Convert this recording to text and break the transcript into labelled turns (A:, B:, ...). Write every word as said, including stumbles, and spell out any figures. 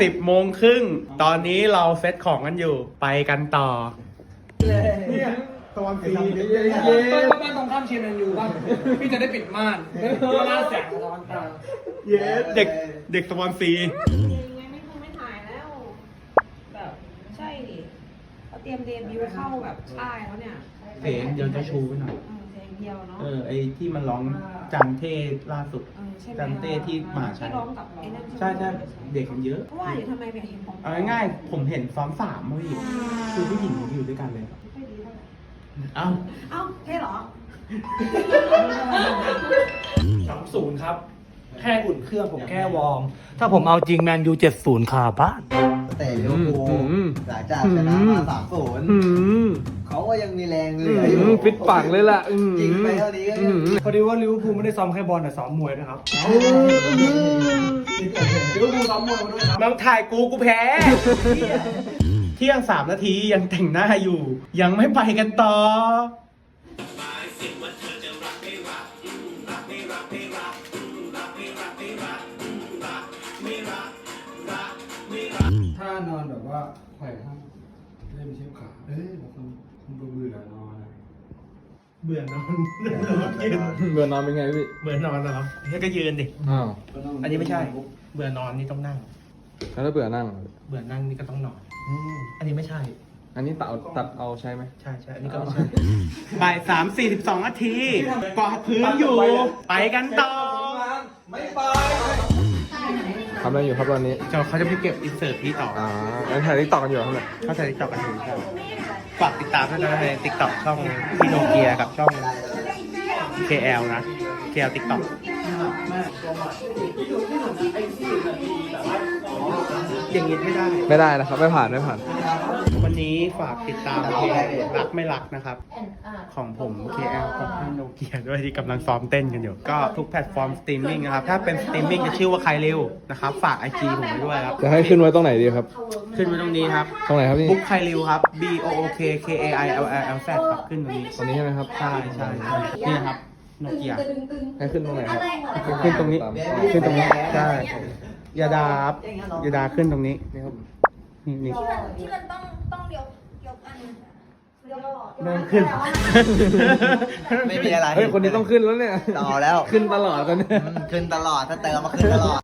A: สิบโมงครึ่งตอนนี้เราเซตของกันอยู่ไปกันต่อเนี่ยตอนสีเย้บ้านตรงข้ามเชียร์แมนยูบ้างพี่จะได้ปิดม่านเพื่อล่าแสงร้อนตาเย้เด็กเด็กตอนสี
B: ยังไงไม่คงไม่ถ่ายแล้วแบบใช่ดิเขาเตรียมเดบิวต์เข้าแบบค่ายแล้วเนี่ย
A: เพลงเดียวจะชูไปหน่อย
B: เพลงเดียวเนาะ
A: เออไอที่มันร้องจังเท่ล่าสุดจังเต้ที่มหาชัย
B: ที่ร้องกับไอ้นั่น
A: ใช่ใช่เด็กมันเยอะ
B: เพราะว่าอยู่ทำไมแบบเห็นของ
A: เอาง่ายๆผมเห็นซ้อมสามเว้ยคือผู้หญิงอยู่ด้วยกันเลยเอ้า
B: เอ้าเท่เหรอ
C: สามศูนย์ครับ แค่อุ่นเครื่องผมแค่วอร์มถ้าผมเอาจริงแมนยูเจ็ดศูนย์คาบ้าน
D: แต่ลิเวอร์พูลหลังจากชนะมาสามศูนย์เขาก็ยังมีแรงเหลืออยู่
A: ฟิตปังเลยล่ะ
D: จริงไปเท่านี้ก็ยัง
C: พอดีว่าลิเวอร์พูลไม่ได้ซ้อมแค่บอลแต่ซ้อมมวยนะครับลิเวอร์พูลซ้อมมวยมาด้วยครับ
A: มาถ่ายกูกูแพ้ เที่ยงสามนาทียังแต่งหน้าอยู่ ยังไม่ไปกันต่อ
C: ถ้านอนแบบว่าไขว่ห้างเล่นเชือกขาเอ้ยบางคนคงเบื่อนอนนะ
A: เบื่อนอน
E: เบื่อนอนเป็นไงพี่
A: เบื่อนอนเหรอนี่ก็ยืนดิ
E: อ้าว
A: อันนี้ไม่ใช่ เบื่อนอนนี่ต้องนั่ง
E: แล้วถ้าเบื่อนั่งอ่ะ
A: เบื่อนั่งนี่ก็ต้องนอน อันนี้ไม่ใช่
E: อันนี้ตัดเอาตัดเอาใช่ไหม
A: ใช่ใช่อันนี้ก็ไม่ใช่บ่ายสามสี่สิบสองนาทีกวาดพื้นอยู่ ไปกันต่อ
D: ไม่ไป
E: ทำอะไรอยู่ครับตอนนี้
A: เดี๋ยวเขาจะไปเก็บอินเสิร์ตพี่ต่อ
E: อ่าแล้วถ่ายติ๊กต็อกกันอยู่ครับเนี่ย
A: เข้าใจติ๊กต็อกกันอยู่ครับฝากติดตามด้วยนะในติ๊กต็อกช่องพี่โนเกียกับช่อง เค แอล นะ เค แอล ติ๊กต็อกอย่างนี้ไม่ได้
E: ไม่ได้นะครับ ไม่ผ่านไม่ผ่าน
A: วันนี้ฝากติดตามเพลงรักไม่รักนะครับ ของผม เค แอล กับพี่โนเกียด้วยที่กำลังซ้อมเต้นกันอยู่ ก็ทุกแพลตฟอร์มสตรีมมิ่งนะครับ ถ้าเป็นสตรีมมิ่งจะชื่อว่าใครเร็วนะครับ ฝาก ไอ จี ผมไว้ด้วยครับ
E: จะให้ขึ้นไว้ตรงไหนดีครับ
A: ขึ้นไว้ตรงนี้ครับ
E: ตรงไหนครับพี่
A: บุ๊กใครเร็วครับ B O O K K A I L L L Z ครับขึ้นตรงนี้
E: ตรงนี้ใช่ไหมครับ
A: ใช่ใช่ใช่นี่นะครับโนเกีย
E: ให้ขึ้นตรงไหนครับ
A: ขึ้นตรงนี้
E: ตาม
A: ขึ้นตรงนี้ใช่ยาดาครับยาดาขึ้นตรงนี้นี่ครับนี่นี่
B: ที่มันต้องต้องยกยกอันเรียกว่าหลอด
A: เริ่มขึ้น
D: ไม่มีอะไร
E: เฮ้ย คนนี้ต้องขึ้นแล้วเนี่ย
D: ต่อแล้ว
E: ขึ้นตลอดตอนเนี้ย
D: ขึ้นตลอดถ้าเติมมาขึ้นตลอด